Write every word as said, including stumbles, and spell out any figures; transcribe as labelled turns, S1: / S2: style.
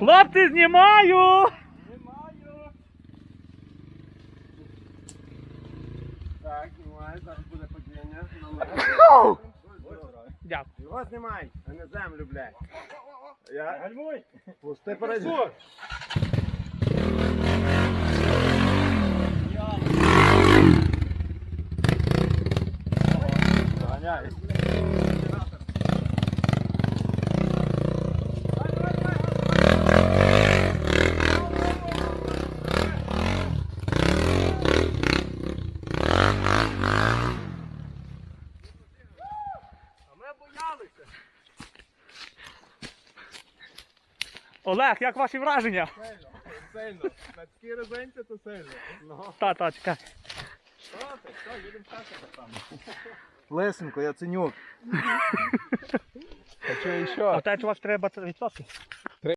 S1: Хлопці, знімаю!
S2: Знімаю. Так, знімаю, зараз буде падіння.
S1: Дякую.
S2: Його знімай, а не землю, блядь. Я...
S3: Гальмуй!
S2: Пусти паразит. Ганяй.
S1: Олег, як ваші враження?
S2: Сильно, сильно. На такій резинці то сильно. Ну.
S1: Та, та, чекай.
S2: Що ти? Що, їдемо часом там.
S3: Лесенко, я ценюк.
S2: Хочу
S1: А
S2: ще.
S1: те, що вас треба відсотки?